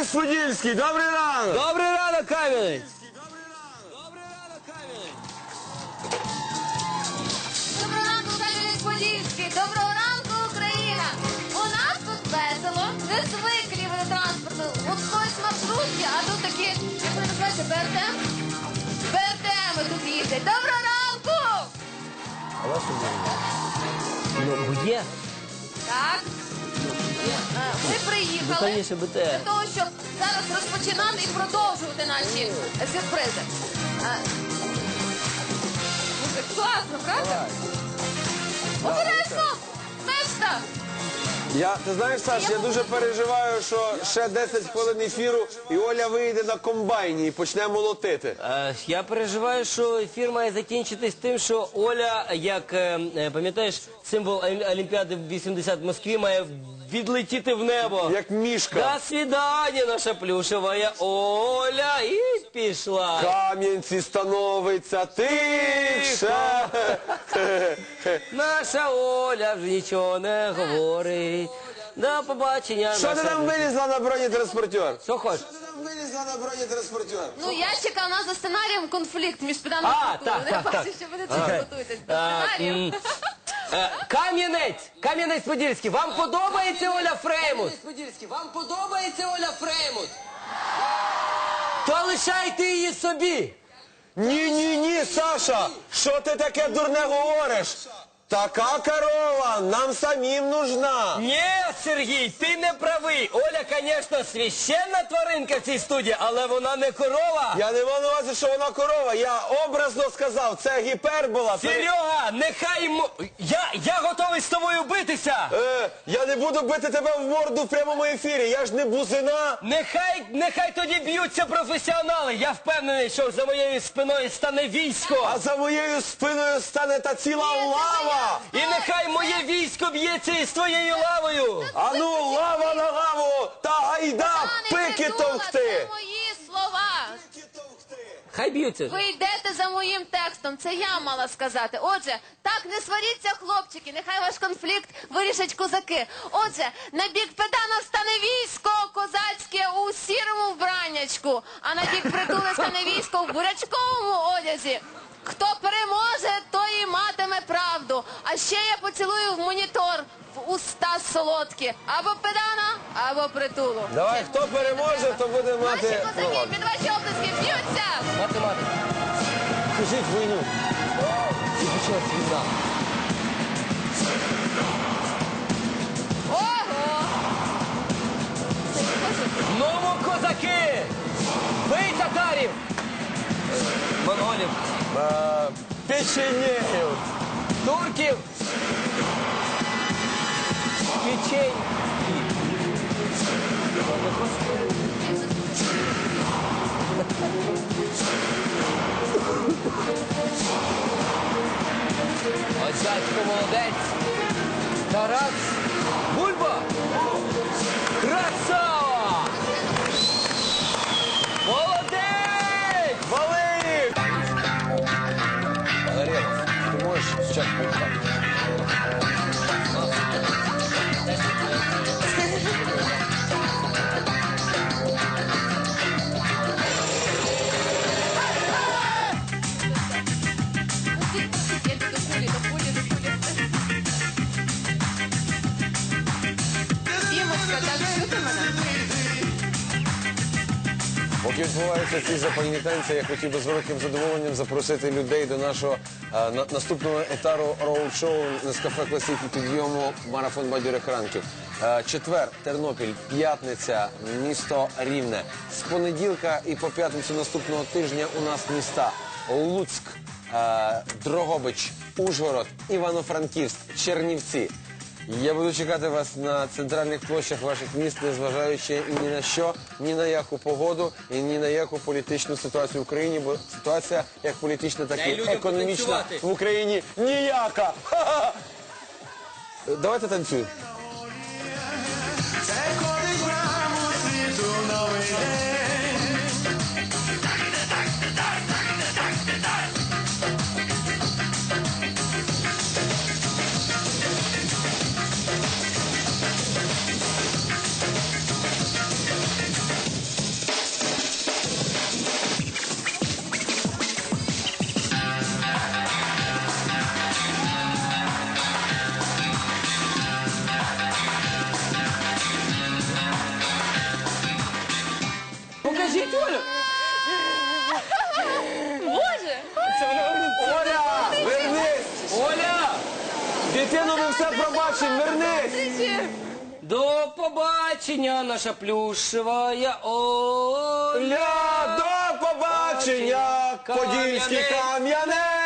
Кам'янець-Подільський, добрий ранок! Добрий ранок, Кам'янець! Доброго ранку, Кам'янець-Подільський! Доброго ранку, Україна! У нас тут весело, не звиклі види транспорту. От хтось маршрутки, а тут такі, як вони називаються, БРТ? БРТ-ми тут їздять. Доброго ранку! Ну, є. Так. Ми приїхали Конечно, для БТР. того, щоб зараз розпочинати і продовжувати наші сюрпризи. Музик, класно, правда? Обережно! Мешта! Ти знаєш, Саш, я дуже переживаю, що ще 10 хвилин ефіру і Оля вийде на комбайні і почне молотити. Я переживаю, що ефір має закінчитись тим, що Оля, як, пам'ятаєш, символ Олімпіади 80 в Москві, має відлетіти в небо. Як мішка. До свидання, наша плюшева Оля, і пішла. Кам'янці становиться тихше. Наша Оля вже нічого не говорить. До побачення. Що ти наша там вилізла на бронетранспортер? Що хочеш? Що ти там вилізла на бронетранспортер? Ну, я чекав, у нас за сценарієм конфлікт між Педаном А, і Притулом. так, Я так, бачу, так. що ви тут готуєтесь до сценарію. Кам'янець-Подільський, вам подобається Оля Фреймут? Вам подобається Оля Фреймут? То лишайте її собі. Ні, Саша, що ти таке дурне говориш? Така корова нам самим нужна. Ні, Сергій, ти не правий. Оля, звісно, священна тваринка в цій студії, але вона не корова. Я не маю на увазі, що вона корова. Я образно сказав, це гіпербола. Серега, нехай я готовий з тобою битися. Я не буду бити тебе в морду в прямому ефірі. Я ж не бузина. Нехай тоді б'ються професіонали. Я впевнений, що за моєю спиною стане військо. А за моєю спиною стане та ціла лава. І нехай моє військо б'ється із твоєю лавою. А ну, лава на лаву та гайда пики Притула, товкти. це мої слова. Хай б'ються. Ви йдете за моїм текстом, це я мала сказати. Отже, так, не сваріться, хлопчики, нехай ваш конфлікт вирішать козаки. Отже, на бік Педана стане військо козацьке у сірому вбраннячку, а на бік Притули стане військо в бурячковому одязі. Хто переможе, той і матиме правду. А ще я поцілую в монітор, в уста солодкі. Або Педана, або Притулу. Давай, хто переможе, то буде Наші мати... козаки під ваші оплески б'ються! Математика. Кажіть війну. І почалась війна. Ого! Знову козаки! Бий татарів! Монголів, Печенєгів. турків, печень. Ось дядько молодець. Тарас Бульба. Красава! Молодець! Вали їх! Валерій, ти можеш спочатку так? Дімочка, так чути мене? Поки відбуваються ці запальні танці, я хотів би з великим задоволенням запросити людей до нашого наступного етару роуд-шоу «Нескафе Класик» і підйому «Марафон бадьорих ранків». Четвер, Тернопіль, п'ятниця, місто Рівне. З понеділка і по п'ятницю наступного тижня у нас міста Луцьк, Дрогобич, Ужгород, Івано-Франківськ, Чернівці. Я буду чекати вас на центральних площах ваших міст, незважаючи ні на що, ні на яку погоду і ні на яку політичну ситуацію в Україні, бо ситуація як політична, так і економічна в Україні ніяка. Ха-ха! Давайте танцюємо. Це ходить браму світу новий день. Христину, ми все пробачимо, вернись! Зустрічі! До побачення, наша плюшева Оля. Ля, до побачення, Подільський Кам'яне. кам'яне!